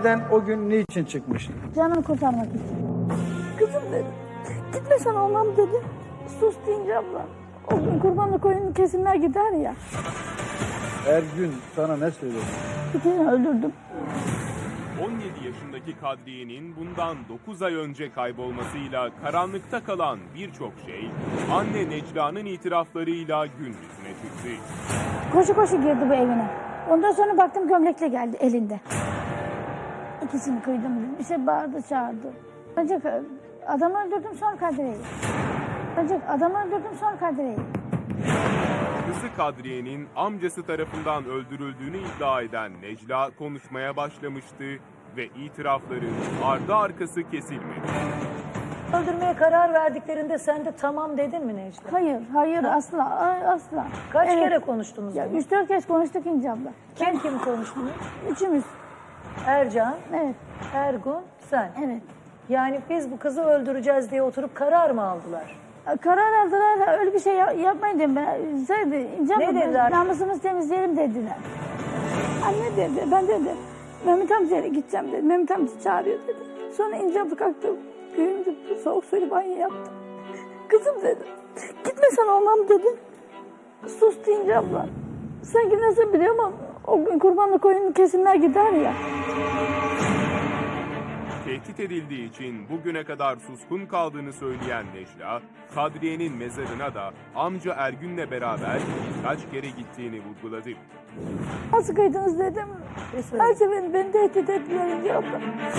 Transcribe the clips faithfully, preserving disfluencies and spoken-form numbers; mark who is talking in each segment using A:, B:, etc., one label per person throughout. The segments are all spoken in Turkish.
A: Evden o gün niçin çıkmıştın?
B: Canımı kurtarmak için. Kızım dedi. Gitmesen olmam dedi. Sus deyince abla. O gün kurbanlık koyunun kesimler gider ya.
A: Ergün sana ne söyledi?
B: Bir kere öldürdüm.
C: on yedi yaşındaki Kadriye'nin bundan dokuz ay önce kaybolmasıyla karanlıkta kalan birçok şey anne Necla'nın itiraflarıyla gün yüzüne çıktı.
B: Koşu koşu girdi bu evine. Ondan sonra baktım gömlekle geldi elinde. İkisini kıydım. Bir şey bağırdı çağırdı. Ancak adamı öldürdüm sonra Kadriye'yi. Ancak adamı öldürdüm sonra Kadriye'yi.
C: Kızı Kadriye'nin amcası tarafından öldürüldüğünü iddia eden Necla konuşmaya başlamıştı ve itirafları ardı arkası kesilmedi.
D: Öldürmeye karar verdiklerinde sen de tamam dedin mi Necla?
B: Hayır, hayır asla, asla.
D: Kaç
B: Evet.
D: kere konuştunuz
B: Ya
D: bunu?
B: üç dört kez konuştuk İnce abla.
D: Kim kim konuştunuz?
B: Üçümüz.
D: Ercan,
B: Evet,
D: Ergun, sen.
B: evet.
D: Yani biz bu kızı öldüreceğiz diye oturup karar mı aldılar?
B: Karar aldılar, öyle bir şey yap- yapmayın dedim ben. Söyledi, İnce
D: Ne
B: abla,
D: dediler?
B: namusumuzu temizleyelim dediler. Anne dedi, ben dedi, Mehmet amcaya gideceğim dedi. Mehmet amca çağırıyor dedi. Sonra İnce abla kalktı, köyümde soğuk suyla banyo yaptı. Kızım dedi, gitmesen olmam dedi. Sus İnce abla. Sanki nasıl biliyorum ama o gün kurbanlık koyunun kesimler gider ya.
C: Tehdit edildiği için bugüne kadar suskun kaldığını söyleyen Necla, Kadriye'nin mezarına da amca Ergün'le beraber birkaç kere gittiğini vurguladı.
B: Nasıl kıydınız dedim. Her seferinde beni tehdit ettiler İnce abla.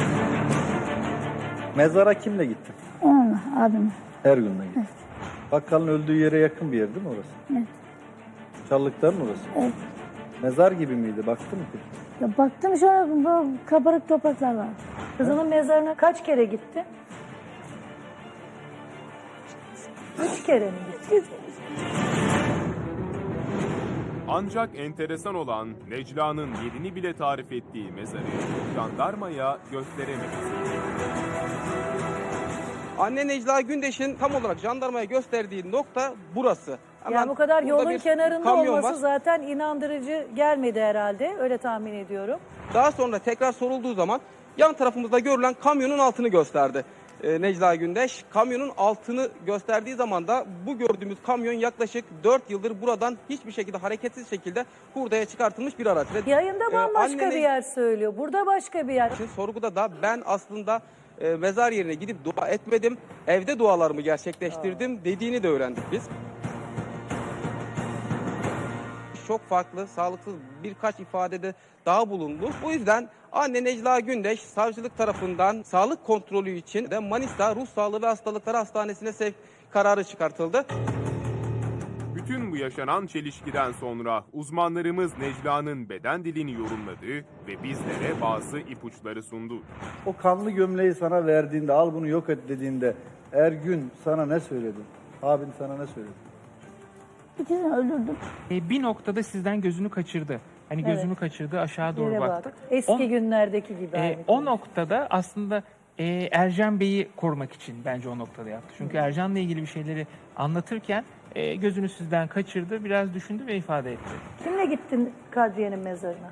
A: Mezara kimle gittin?
B: Onunla abim.
A: Ergün'le gittin. Bakkalın öldüğü yere yakın bir yer değil mi orası?
B: Evet.
A: Çallıkların orası.
B: Evet.
A: Mezar gibi miydi? Baktın mı?
B: Ya baktım şöyle bu kabarık topraklar var.
D: Kızının mezarına kaç kere gitti? Üç kere mi gitti?
C: Ancak enteresan olan Necla'nın yerini bile tarif ettiği mezarı jandarmaya gösteremedi.
E: Anne Necla Gündeş'in tam olarak jandarmaya gösterdiği nokta burası. Hemen
D: Yani bu kadar
E: burada
D: yolun
E: bir
D: kenarında
E: kamyon
D: olması
E: var.
D: zaten inandırıcı gelmedi herhalde. Öyle tahmin ediyorum.
E: Daha sonra tekrar sorulduğu zaman yan tarafımızda görülen kamyonun altını gösterdi e, Necla Gündeş. Kamyonun altını gösterdiği zaman da bu gördüğümüz kamyon yaklaşık dört yıldır buradan hiçbir şekilde hareketsiz şekilde hurdaya çıkartılmış bir araç. Ve,
D: Yayında
E: e,
D: bambaşka
E: anne
D: bir
E: Ne-
D: yer söylüyor. Burada başka bir yer.
E: Şimdi sorguda da ben aslında e, mezar yerine gidip dua etmedim, evde dualarımı gerçekleştirdim dediğini de öğrendik biz. Çok farklı, sağlıksız birkaç ifadede daha bulundu. Bu yüzden anne Necla Gündeş savcılık tarafından sağlık kontrolü için de Manisa Ruh Sağlığı ve Hastalıkları Hastanesi'ne sevk kararı çıkartıldı.
C: Bütün bu yaşanan çelişkiden sonra uzmanlarımız Necla'nın beden dilini yorumladı ve bizlere bazı ipuçları sundu.
A: O kanlı gömleği sana verdiğinde, al bunu yok et dediğinde Ergün sana ne söyledi? Abin sana ne söyledi?
B: İkisini öldürdüm.
F: E, bir noktada sizden gözünü kaçırdı. Hani
D: Evet.
F: gözünü kaçırdı, aşağı doğru
D: Yere
F: baktı.
D: bak. Eski
F: O-
D: günlerdeki gibi.
F: E,
D: aynı
F: o
D: konu.
F: noktada aslında e, Ercan Bey'i korumak için bence o noktada yaptı. Çünkü Ercan'la ilgili bir şeyleri anlatırken e, gözünü sizden kaçırdı, biraz düşündü ve ifade etti.
D: Kimle gittin Kadriye'nin mezarına?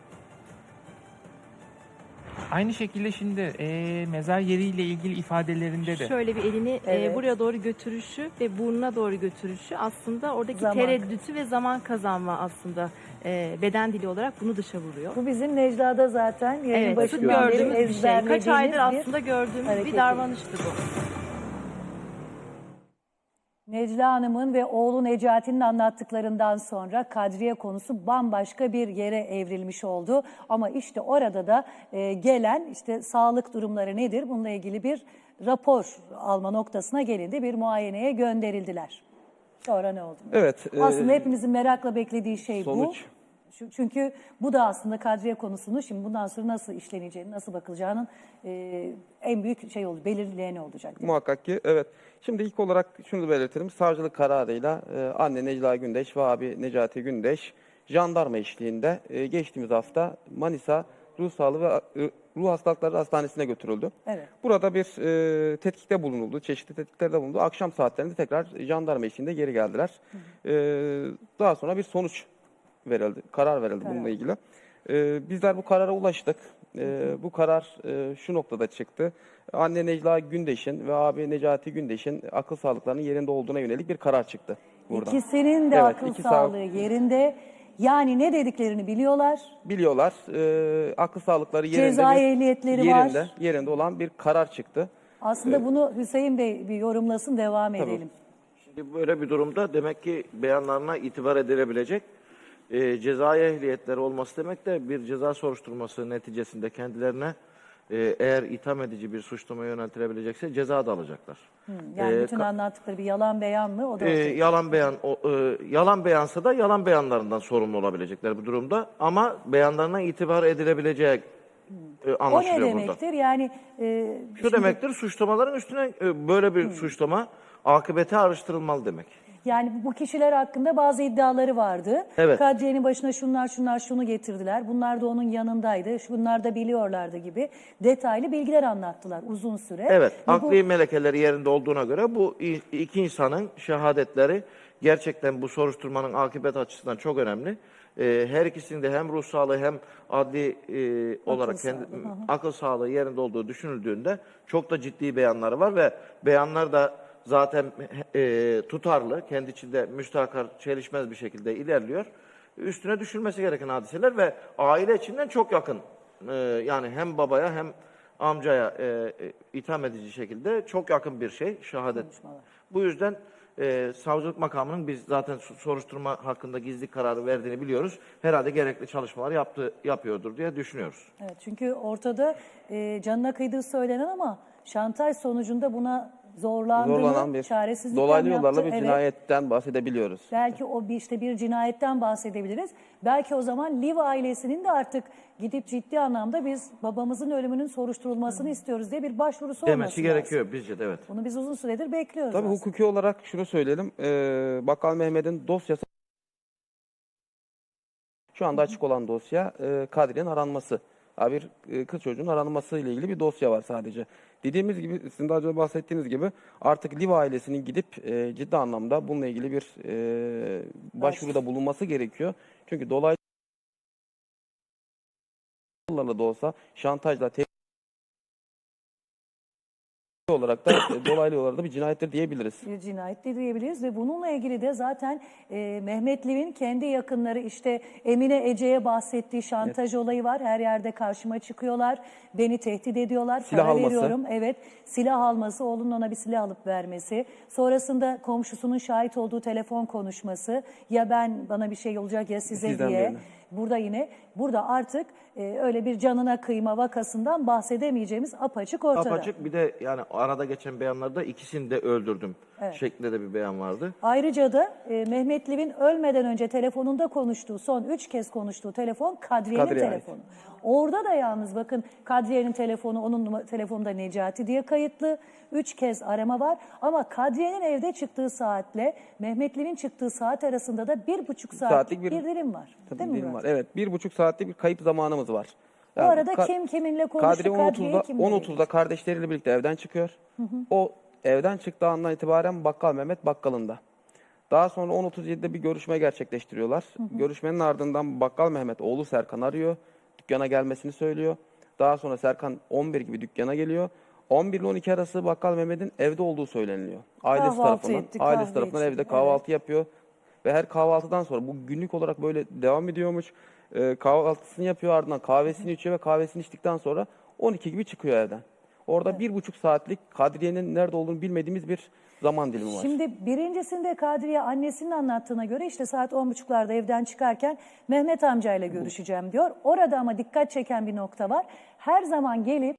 F: Aynı şekilde şimdi e, mezar yeriyle ilgili ifadelerinde de
G: Şöyle bir elini
D: Evet.
G: e, buraya doğru götürüşü ve burnuna doğru götürüşü aslında oradaki
D: Zaman.
G: tereddütü ve zaman kazanma aslında e, beden dili olarak bunu dışa vuruyor.
D: Bu bizim Necla'da zaten yayın
G: Evet, sık
D: başından beri
G: gördüğümüz bir şey. Kaç
D: ezberlediğimiz
G: aydır
D: bir
G: aslında gördüğümüz
D: hareketi.
G: bir davranıştı bu.
D: Necla Hanım'ın ve oğlu Necati'nin anlattıklarından sonra Kadriye konusu bambaşka bir yere evrilmiş oldu. Ama işte orada da e, gelen işte sağlık durumları nedir? Bununla ilgili bir rapor alma noktasına gelindi. Bir muayeneye gönderildiler. Sonra ne oldu?
E: Evet. e,
D: Aslında hepimizin merakla beklediği şey
E: sonuç.
D: bu. Şu- Çünkü bu da aslında Kadriye konusunu şimdi bundan sonra nasıl işleneceğini, nasıl bakılacağının e, en büyük şey oldu, belirleyeni olacak.
E: Muhakkak ki evet. Şimdi ilk olarak şunu belirtelim. Savcılık kararıyla e, anne Necla Gündeş ve abi Necati Gündeş jandarma eşliğinde e, geçtiğimiz hafta Manisa Ruh Sağlığı ve e, Ruh Hastalıkları Hastanesi'ne götürüldü.
D: Evet.
E: Burada bir e, tetkikte bulunuldu, çeşitli tetkiklerde bulundu. Akşam saatlerinde tekrar jandarma eşliğinde geri geldiler. E, daha sonra bir sonuç verildi, karar verildi bununla ilgili. E, bizler bu karara ulaştık. E, bu karar e, şu noktada çıktı. Anne Necla Gündeş'in ve abi Necati Gündeş'in akıl sağlıklarının yerinde olduğuna yönelik bir karar çıktı buradan.
D: İkisinin de
E: Evet,
D: akıl
E: iki sağ-
D: sağlığı yerinde. Yani ne dediklerini biliyorlar.
E: Biliyorlar. E, akıl sağlıkları yerinde,
D: Ceza
E: bir-
D: ehliyetleri
E: yerinde,
D: var.
E: yerinde olan bir karar çıktı.
D: Aslında bunu Hüseyin Bey bir yorumlasın, devam
E: Tabii.
D: edelim.
H: Şimdi böyle bir durumda demek ki beyanlarına itibar edilebilecek e, cezai ehliyetleri olması demek de bir ceza soruşturması neticesinde kendilerine e, eğer itham edici bir suçlama yöneltilebilecekse ceza da alacaklar.
D: Yani
H: Ee,
D: bütün
H: ka-
D: anlattıkları bir yalan beyan mı? O da
H: E,
D: olacak.
H: yalan beyan o, e, yalan beyansa da yalan beyanlarından sorumlu olabilecekler bu durumda ama beyanlarına itibar edilebileceği e,
D: O ne
H: anlaşılıyor burada.
D: demektir? Yani e,
H: Şu demektir suçlamaların üstüne e, böyle bir suçlama akıbeti araştırılmalı demek.
D: Yani bu kişiler hakkında bazı iddiaları vardı.
H: Evet.
D: Kadriye'nin başına şunlar şunlar şunu getirdiler. Bunlar da onun yanındaydı. Bunlar da biliyorlardı gibi detaylı bilgiler anlattılar uzun süre.
H: Evet,
D: Ve bu-
H: akli melekeleri yerinde olduğuna göre bu i- iki insanın şehadetleri gerçekten bu soruşturmanın akıbet açısından çok önemli. Ee, her ikisinin de hem ruh sağlığı hem adli e, olarak kendi,
D: sağlığı, hı hı.
H: akıl sağlığı yerinde olduğu düşünüldüğünde çok da ciddi beyanları var ve beyanlar da zaten e, tutarlı, kendi içinde müstakar, çelişmez bir şekilde ilerliyor. Üstüne düşülmesi gereken hadiseler ve aile içinden çok yakın. Ee, yani hem babaya hem amcaya e, e, itham edici şekilde çok yakın bir şey şehadet. Bu yüzden e, savcılık makamının biz zaten su- soruşturma hakkında gizli kararı verdiğini biliyoruz. Herhalde gerekli çalışmalar yaptı yapıyordur diye düşünüyoruz.
D: Evet, çünkü ortada e, canına kıydığı söylenen ama şantaj sonucunda buna zorlandığını,
E: Zorlanan bir
D: çaresizlikten
E: dolaylı yollarla
D: yaptı.
E: bir
D: Evet.
E: cinayetten bahsedebiliyoruz.
D: Belki o bir işte bir cinayetten bahsedebiliriz. Belki o zaman Liv ailesinin de artık gidip ciddi anlamda biz babamızın ölümünün soruşturulmasını istiyoruz diye bir başvurusu olması
H: Demesi
D: lazım.
H: gerekiyor bizce de evet.
D: Bunu biz uzun süredir bekliyoruz
E: Tabii
D: aslında.
E: hukuki olarak şunu söyleyelim. Ee, Bakkal Mehmet'in dosyası şu anda açık olan dosya e, Kadriye'nin aranması. Ha, bir e, kız çocuğun aranması ile ilgili bir dosya var sadece. Dediğimiz gibi, sizin daha önce bahsettiğiniz gibi artık Liv ailesinin gidip e, ciddi anlamda bununla ilgili bir e, başvuruda bulunması gerekiyor. Çünkü dolaylı yollarla da olsa şantajla te- olarak da e, dolaylı yollarda bir cinayettir diyebiliriz.
D: Bir cinayet de diyebiliriz ve bununla ilgili de zaten e, Mehmet Liv'in kendi yakınları işte Emine Ece'ye bahsettiği şantaj olayı var. Her yerde karşıma çıkıyorlar. Beni tehdit ediyorlar.
E: Silah
D: para
E: alması.
D: veriyorum. Evet. Silah alması, oğlunun ona bir silah alıp vermesi. Sonrasında komşusunun şahit olduğu telefon konuşması. Ya ben bana bir şey olacak ya size
E: Sizden
D: diye.
E: birine.
D: Burada yine burada artık e, öyle bir canına kıyma vakasından bahsedemeyeceğimiz apaçık ortada.
H: Apaçık bir de yani arada geçen beyanlarda ikisini de öldürdüm
D: Evet.
H: şeklinde de bir beyan vardı.
D: Ayrıca da e, Mehmet Liv'in ölmeden önce telefonunda konuştuğu, son üç kez konuştuğu telefon Kadriye'nin
E: Kadriye ait.
D: telefonu. Orada da yalnız bakın Kadriye'nin telefonu, onun numa- telefonunda Necati diye kayıtlı. Üç kez arama var ama Kadriye'nin evde çıktığı saatle Mehmet Liv'in çıktığı saat arasında da bir buçuk saatlik,
E: Saatlik
D: bir,
E: bir-
D: dilim var.
E: Tabii
D: Değil mi
E: dilim
D: Murat?
E: var. Evet, bir buçuk saatlik bir kayıp zamanımız var.
D: Bu
E: Yani
D: arada
E: Ka-
D: kim kiminle konuştu,
E: Kadriye
D: Kadriye
E: on otuzda,
D: kimle
E: on otuzda kardeşleriyle birlikte evden çıkıyor. O evden çıktığı andan itibaren Bakkal Mehmet bakkalında. Daha sonra on otuz yedide bir görüşme gerçekleştiriyorlar. Görüşmenin ardından Bakkal Mehmet oğlu Serkan arıyor. Dükkana gelmesini söylüyor. Daha sonra Serkan on bir gibi dükkana geliyor. on bir ile on iki arası Bakkal Mehmet'in evde olduğu söyleniliyor. Ailesi
D: Kahvaltı
E: tarafından,
D: etti,
E: ailesi
D: kahve
E: tarafından
D: içti.
E: evde kahvaltı yapıyor. Ve her kahvaltıdan sonra bu günlük olarak böyle devam ediyormuş. Ee, kahvaltısını yapıyor, ardından kahvesini içiyor ve kahvesini içtikten sonra on iki gibi çıkıyor evden. Orada bir buçuk saatlik Kadriye'nin nerede olduğunu bilmediğimiz bir zaman dilimi var.
D: Şimdi birincisinde Kadriye annesinin anlattığına göre işte saat on buçuklarda evden çıkarken Mehmet amcayla görüşeceğim diyor. Orada ama dikkat çeken bir nokta var. Her zaman gelip